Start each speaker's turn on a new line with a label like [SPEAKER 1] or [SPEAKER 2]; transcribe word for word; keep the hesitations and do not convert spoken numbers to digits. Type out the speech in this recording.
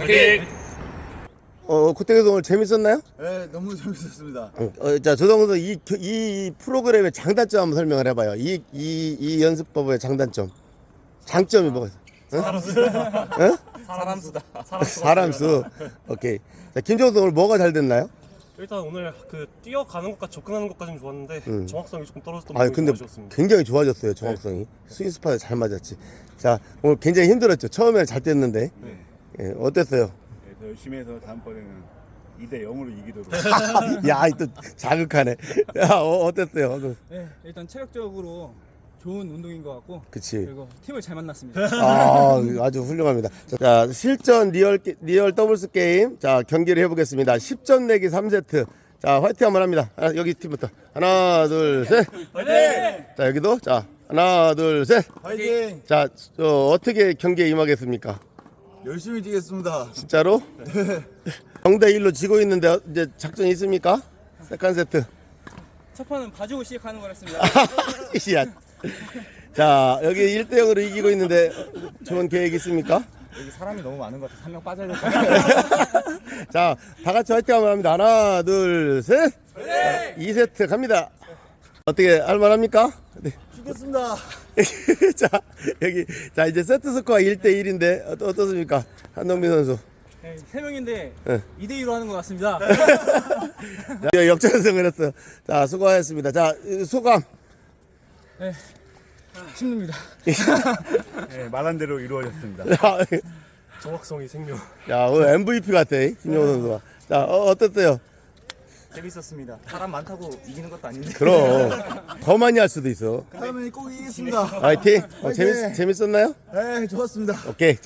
[SPEAKER 1] 화이팅!
[SPEAKER 2] 어, 구태기도 오늘 재밌었나요?
[SPEAKER 3] 네, 너무 재밌었습니다.
[SPEAKER 2] 어, 자, 조동훈 이, 이, 이 프로그램의 장단점 한번 설명을 해봐요. 이, 이, 이 연습법의 장단점. 장점이 뭐가 있어?
[SPEAKER 1] 사람 수다.
[SPEAKER 2] 응?
[SPEAKER 1] 사람 수다.
[SPEAKER 2] 사람 수. 오케이. 자, 김종수 오늘 뭐가 잘 됐나요?
[SPEAKER 1] 일단 오늘 그 뛰어가는 것과 접근하는 것까지는 좋았는데
[SPEAKER 2] 음.
[SPEAKER 1] 정확성이 조금 떨어졌던
[SPEAKER 2] 아,
[SPEAKER 1] 부분이
[SPEAKER 2] 근데
[SPEAKER 1] 좀 아쉬웠습니다.
[SPEAKER 2] 굉장히 좋아졌어요, 정확성이. 스윙 스팟에 잘 맞았지. 자, 오늘 굉장히 힘들었죠. 처음에는 잘 됐는데.
[SPEAKER 3] 네.
[SPEAKER 2] 예, 어땠어요?
[SPEAKER 3] 네, 더 열심히 해서 다음번에는 이 대 영으로 이기도록.
[SPEAKER 2] 야, 또 자극하네. 야, 어, 어땠어요?
[SPEAKER 4] 네, 일단 체력적으로 좋은 운동인 것 같고
[SPEAKER 2] 그치.
[SPEAKER 4] 그리고 팀을 잘 만났습니다.
[SPEAKER 2] 아, 아주 훌륭합니다. 자, 실전 리얼, 게- 리얼 더블스 게임. 자, 경기를 해보겠습니다. 십 점 내기 삼 세트. 자, 화이팅 한번 합니다. 하나, 여기 팀부터. 하나, 둘, 셋.
[SPEAKER 1] 화이팅!
[SPEAKER 2] 자, 여기도. 자, 하나, 둘, 셋.
[SPEAKER 3] 화이팅!
[SPEAKER 2] 자, 어, 어떻게 경기에 임하겠습니까?
[SPEAKER 3] 열심히 뛰겠습니다.
[SPEAKER 2] 진짜로? 영 대 일로 지고 있는데 이제 작전이 있습니까? 세컨 세트.
[SPEAKER 4] 첫 판은 봐주고 시작하는 거였습니다.
[SPEAKER 2] 야. 자, 여기 일 대 영으로 이기고 있는데 좋은 계획 있습니까?
[SPEAKER 3] 여기 사람이 너무 많은 것 같아서 한 명 빠져야 될 것 같아요.
[SPEAKER 2] 자, 다 같이 화이팅 한번 합니다. 하나, 둘, 셋. 자, 이 세트 갑니다. 어떻게 할만합니까? 네.
[SPEAKER 3] 죽겠습니다.
[SPEAKER 2] 자, 여기 자 이제 세트 스코어 일 대 일인데 어떠, 어떻습니까? 한동민 선수.
[SPEAKER 4] 네, 세 명인데
[SPEAKER 2] 네.
[SPEAKER 4] 이 대 이로 하는 것 같습니다.
[SPEAKER 2] 자, 역전승을 했어요. 자, 수고하셨습니다. 자, 소감.
[SPEAKER 4] 네, 힘듭니다.
[SPEAKER 3] 네, 말한 대로 이루어졌습니다.
[SPEAKER 2] 야,
[SPEAKER 1] 정확성이 생명.
[SPEAKER 2] 야, 오늘 엠브이피 같아, 김용호 선수가. 자, 어, 어땠어요?
[SPEAKER 5] 재밌었습니다. 사람 많다고 이기는 것도 아닌데.
[SPEAKER 2] 그럼 더 많이 할 수도 있어.
[SPEAKER 3] 다음에 꼭 이기겠습니다.
[SPEAKER 2] 화이팅. 어, 재밌 재밌었나요?
[SPEAKER 3] 네, 좋았습니다.
[SPEAKER 2] 오케이.